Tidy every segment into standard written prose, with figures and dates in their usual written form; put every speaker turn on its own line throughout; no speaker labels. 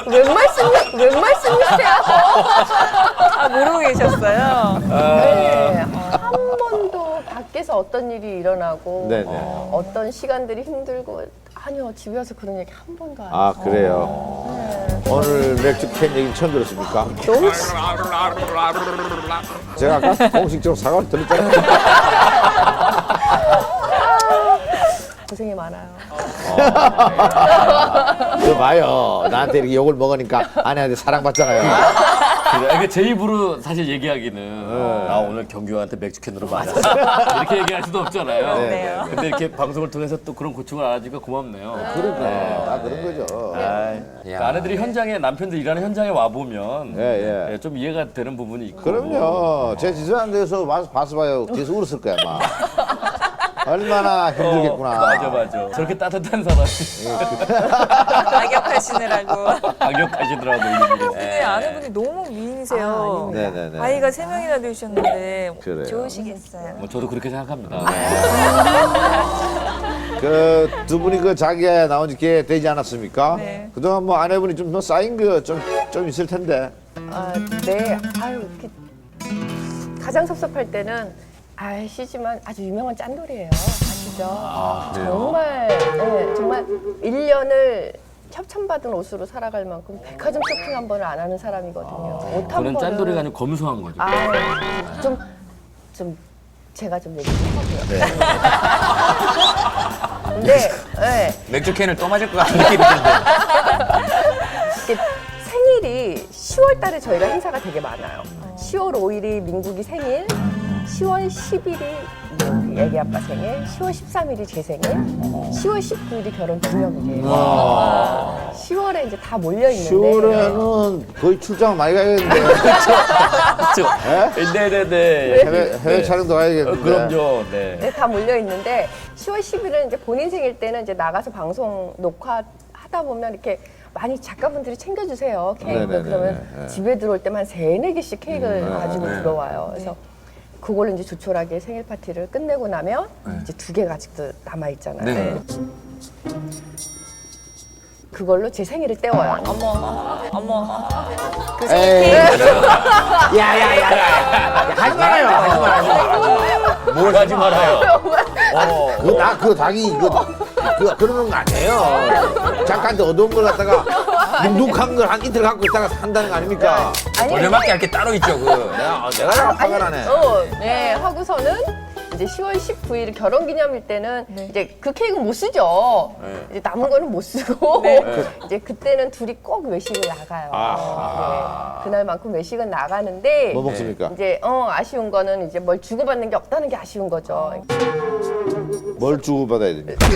웬 말씀이세요?
아, 모르고 계셨어요?
네, 한 번도 밖에서 어떤 일이 일어나고
네네.
어떤 시간들이 힘들고 아니요, 집에 와서 그런 얘기 한 번도 안 했어요.
아, 그래요? 오늘 맥주 캔 얘기 처음 들었습니까?
너무
제가 아까 공식적으로 사과를 드렸잖아요.
고생이 많아요.
그거 봐요. 나한테 이렇게 욕을 먹으니까 아내한테 사랑받잖아요.
그러니까 제 입으로 사실 얘기하기는 나 오늘 경규한테 맥주캔으로 맞았어 이렇게 얘기할 수도 없잖아요.
네.
근데 이렇게 방송을 통해서 또 그런 고충을 알아주니까 고맙네요.
그러네. 다 그런 거죠.
그러니까 아내들이 현장에 남편들 일하는 현장에 와 보면
예.
좀 이해가 되는 부분이 있고.
그럼요. 제 지수한 데서 봐서 봐요. 뒤에서 울었을 거야, 아마. 얼마나 힘들겠구나.
맞아. 저렇게 따뜻한 사람이
악역하시느라고.
악역하시더라고. 일일이.
근데 아내분이 너무 미인이세요.
네네네.
아이가 3명이나 되셨는데
그래요.
좋으시겠어요.
뭐 저도 그렇게 생각합니다.
그 두 분이 그 자기에 나온 지 꽤 되지 않았습니까?
네.
그동안 뭐 아내분이 좀 더 쌓인 거 좀 있을 텐데.
아, 네. 아유, 가장 섭섭할 때는 아시지만 아주 유명한 짠돌이에요. 아시죠? 정말, 네, 정말 1년을 협찬받은 옷으로 살아갈 만큼 백화점 쇼핑 한 번을 안 하는 사람이거든요. 옷 한
그런
번을.
짠돌이가 아니고 검소한 거죠.
좀 제가 좀 얘기 좀 하고요. 근데 네,
맥주 캔을 또 맞을 것 같은 느낌이 드는데.
이게 생일이 10월 달에 저희가 행사가 되게 많아요. 10월 5일이 민국이 생일, 10월 10일이 애기 아빠 생일, 10월 13일이 제 생일, 10월 19일이 결혼 기념일이에요. 10월에 이제 다 몰려 있는데
10월에는 거의 출장 많이 가야겠는데.
그렇죠. 네네네.
해외 촬영도 가야겠는데.
그럼요. 네.
네, 다 몰려 있는데 10월 10일은 이제 본인 생일 때는 이제 나가서 방송 녹화하다 보면 이렇게 많이 작가분들이 챙겨주세요 케이크.
네네네네.
그러면 집에 들어올 때만 3-4개씩 케이크를 가지고 들어와요. 그래서 그걸로 이제 조촐하게 생일 파티를 끝내고 나면 이제 2개가 아직도 남아 있잖아요.
네.
그걸로 제 생일을 때워요.
어머. 그
에이.
생일
야야야야. 하지 말아요.
뭘 하지 말아요.
그 닭이 그러는 거 아니에요. 작가한테 얻어온 걸 갖다가 눅눅한 걸 한 이틀 갖고 있다가 한다는 거 아닙니까?
돌려막기 할 게 따로 있죠.
내가 화가 나네.
네, 하고서는 이제 10월 19일 결혼기념일 때는 이제 그 케이크 못 쓰죠. 이제 남은 거는 못 쓰고 이제 그때는 둘이 꼭 외식을 나가요. 네, 그날만큼 외식은 나가는데
뭐 먹습니까?
이제 아쉬운 거는 이제 뭘 주고받는 게 없다는 게 아쉬운 거죠.
뭘 주고받아야 됩니까?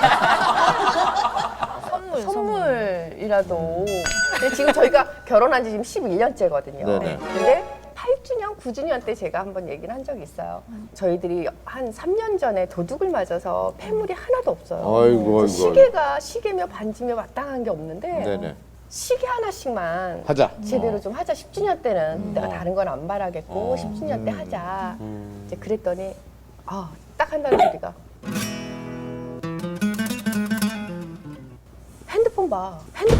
선물이라도. 근데 지금 저희가 결혼한 지 지금 11년째거든요.
네네.
근데 8주년, 9주년 때 제가 한번 얘기를 한 적이 있어요. 저희들이 한 3년 전에 도둑을 맞아서 폐물이 하나도 없어요.
아이고.
시계며 반지며 마땅한 게 없는데
네네.
시계 하나씩만
하자.
제대로 좀 하자. 10주년 때는 내가 다른 건 안 바라겠고 10주년 때 하자. 이제 그랬더니 딱 한다는 소리가 핸드폰 봐.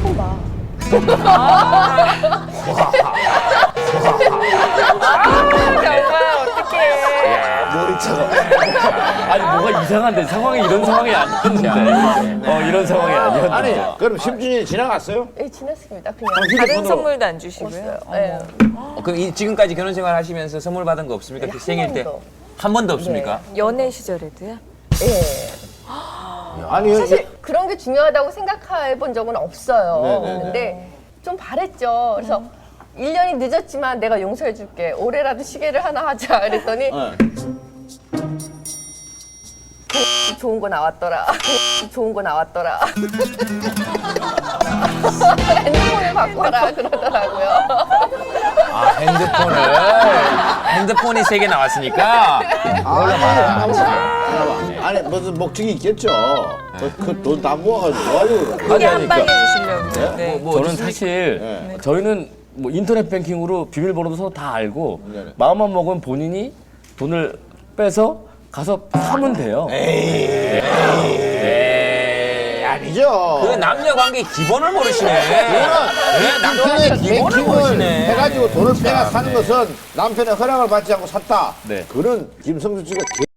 정말 어떡해.
아니 뭐가 이상한데 상황이 이런 상황이 아니었는데. 이런 상황이 아니었는데.
아니, 그럼 10주년이 지나갔어요?
네, 지났습니다. 그냥
다른 선물도 안 주시고요.
없어요. 네.
그럼 지금까지 결혼 생활 하시면서 선물 받은 거 없습니까?
네,
그
한
생일 때?
번도.
한 번도 없습니까?
연애 시절에도요?
네.
아니,
사실 그런 게 중요하다고 생각해 본 적은 없어요.
네네네.
근데 좀 바랬죠. 그래서 1년이 늦었지만 내가 용서해 줄게. 올해라도 시계를 하나 하자. 그랬더니 좋은 거 나왔더라. 핸드폰을 바꿔라 그러더라고요.
핸드폰이 3개 나왔으니까.
아니, 무슨 목적이 있겠죠. 그 돈 다 모아가지고.
크게 한 방에 주시려고. 네.
저는 사실 저희는 뭐 인터넷 뱅킹으로 비밀번호도 서로 다 알고 마음만 먹으면 본인이 돈을 빼서 가서 사면 돼요.
아니죠.
그 남녀 관계 기본을 모르시네. 네, 남녀 관계
인터넷
기본을
뱅킹을
모르시네.
해가지고 돈을 빼가 사는 것은 남편의 허락을 받지 않고 샀다.
네.
그는 김성수 씨가